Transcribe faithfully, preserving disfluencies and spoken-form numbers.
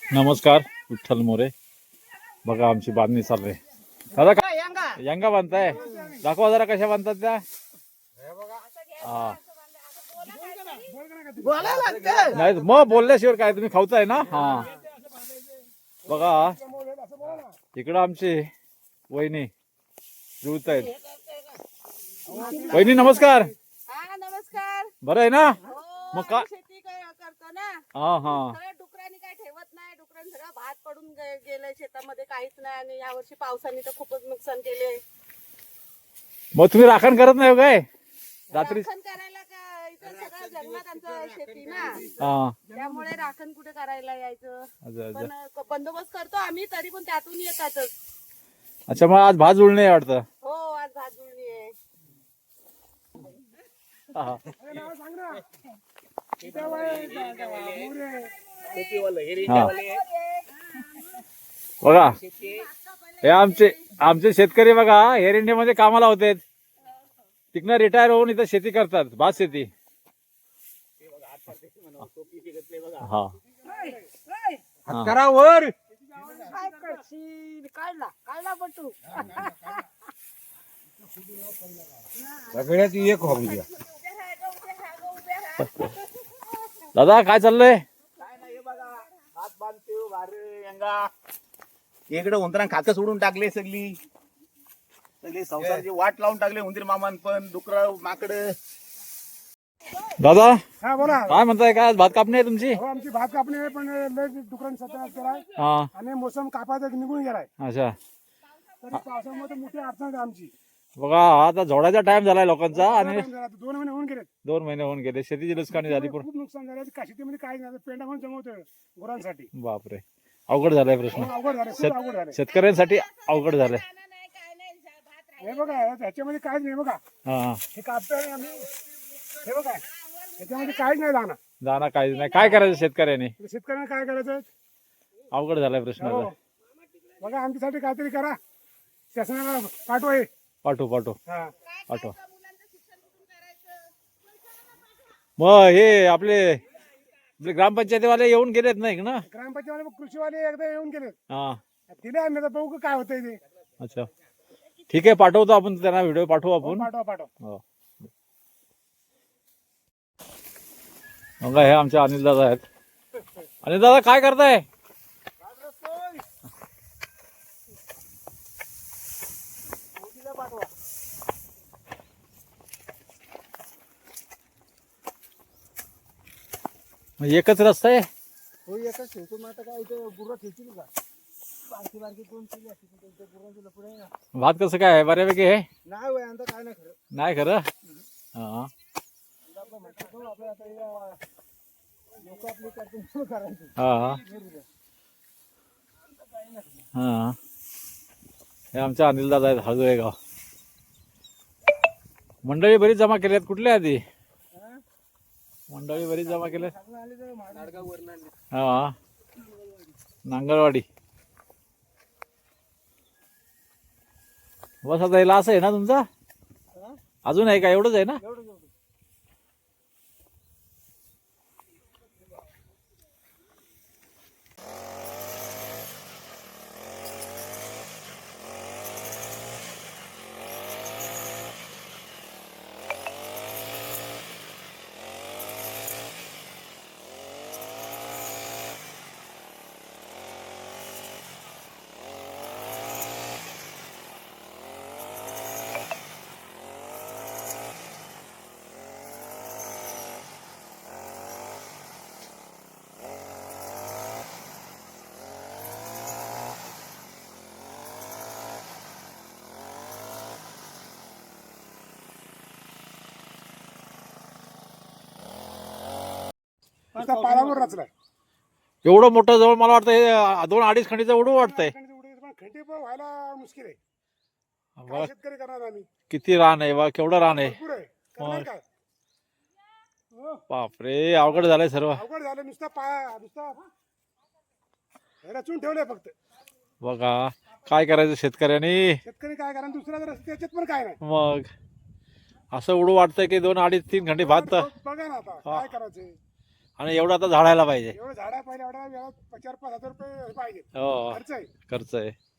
नमस्कार, विठ्ठल मोरे. बघा आमची बांधणी चालू आहे. दादा काय यंगा बांधताय? दाखवा जरा कशा बांधतात त्या. हा नाही मग बोलल्याशिवाय काय, तुम्ही खाऊचाय ना. हा बघा इकडं आमची वहिनी जुळत आहेत. वहिनी नमस्कार. हा नमस्कार. बरं आहे ना. हो, मग का आम्ही शेती क- करतो ना. हा हा सगळ्या डुकरांनी काय ठेवत नाही. डुकरांनी सगळं भात पडून गे- गेलंय शेतामध्ये, काहीच नाही. आणि यावर्षी पावसाने तर खूपच नुकसान केले. मग तुम्ही राखण करत नाही हो काय रात्री? राखण करायला का इथं सगळं जंगलात आमचं शेती ना, हा त्यामुळे राखण कुठे करायला यायचं. अच्छा अच्छा. पण क- बंदोबस्त करतो आम्ही, तरी पण त्यातून येतातच. अच्छा मग आज भात जुळणे आहे वाटतं. हो, आज भात जुळणी आहे. हा. हा. बघा हे आमचे आमचे शेतकरी बघा एअर इंडियामध्ये कामाला होते, तिकडनं रिटायर होऊन इथं शेती करतात, भात शेती. हा करावर काय करशील? काढला काढला पटू. सगळ्यात एक हॉबी द्या. दादा काय चाललंय? काय नाही बघा, हात बांधतो वारे यंगा इकडे उंदरां खातं सोडून टाकले. सगळी सगळी संसाराची वाट लावून टाकले. उंदीर मामान पण डुकर माकड. दादा हा बोला. काय म्हणताय, काय आज भात कापणी आहे तुमची? हो आमची भात कापणी आहे, पण लय डुकरांनी सत्यानाश केलाय हा आणि मोसम कापायचा निघून गेलाय. अच्छा. तरी पावसामुळे मोठी अडचण आहे आमची. बघा आता झोडाचा टाइम झालाय लोकांचा आणि दोन महिने होऊन गेले. दोन महिने होऊन गेले, शेतीची नुकसानी झाली. पण खूप नुकसान झालं. का शेतीमध्ये काही नाही, पेंडा पण जमवतोय गुरांसाठी. बापरे अवघड झालाय प्रश्न. हो, अवघड झालं, खूप अवघड झालं. शेतकऱ्यांसाठी अवघड झालंय. हे बघा ह्याच्यामध्ये काहीच नाही. बघा हा हे कापतोय आम्ही. हे बघा ह्याच्यामध्ये काहीच नाही दाना. जाणार काहीच नाही, काय करायचं शेतकऱ्याने? शेतकऱ्यांना काय करायचं? अवघड झालाय प्रश्न हो आता. बघा आमच्यासाठी काहीतरी करा. शासनाला पाठवा हे. पाठवू पाठवू हा पाठवा. मग हे आपले आपले ग्रामपंचायतीवाले येऊन गेलेत नाही ना? ग्रामपंचायत कृषीवाले एकदा येऊन गेले. हा दिले आम्ही, आता बघू काय होतंय ते. अच्छा ठीक आहे, पाठवतो आपण त्यांना, व्हिडिओ पाठवू आपण. पाठवा पाठवा. हो. बघा हे आमचे अनिल दादा आहेत. अनिल दादा काय करताय? मग एकच रस्ता आहे? हो एकच ठेवतो. मग आता काय इथं गुरं ठेवतील का? बारकी बारकी दोन केली असती पण त्यांच्या गुरांची लफडे आहे ना. भात कसं काय आहे, बऱ्यापैकी आहे? नाही होय आता काय नाही खरं. नाही खरं. हा आता आपलं म्हणतात हो, आपलं आता लोक आपली करतील म्हणून करायचं. हा हा हे आमच्या अनिल दादा आहेत, हळदुळे गाव. मंडळी बरीच जमा केली आहेत. कुठल्या आधी मंडळी बरीच जमा केल्यात? हा नांगरवाडी. बस आता याला असं आहे ना तुमचा? अजून आहे का? एवढंच आहे ना? आता पारावर रचलाय. एवढं मोठं जवळ मला वाटतं हे दोन अडीच खंडीचं एवढं वाटतंय. खंडी पण व्हायला मुश्किल आहे. बघा काय शेतकरी करणार आम्ही? किती रान आहे, बा केवढं रान आहे. भरपूर आहे. करणार काय? हो, बापरे अवघड झालंय सर्व. अवघड झालं. नुसता पा नुसता रचून ठेवलंय फक्त. बघा काय करायचं शेतकऱ्यांनी. शेतकरी काय करा, दुसरा जर त्याच्यात पण काय नाही. मग असं एवढं वाटतंय की दोन अडीच तीन घंटे भात. बघा ना आता काय करायचं. आणि एवढं आता झाडायला पाहिजे. एवढं झाडा पाहिजे एवढा वेळा चार पाच हजार रुपये पाहिजे हो खर्च आहे. खर्च आहे.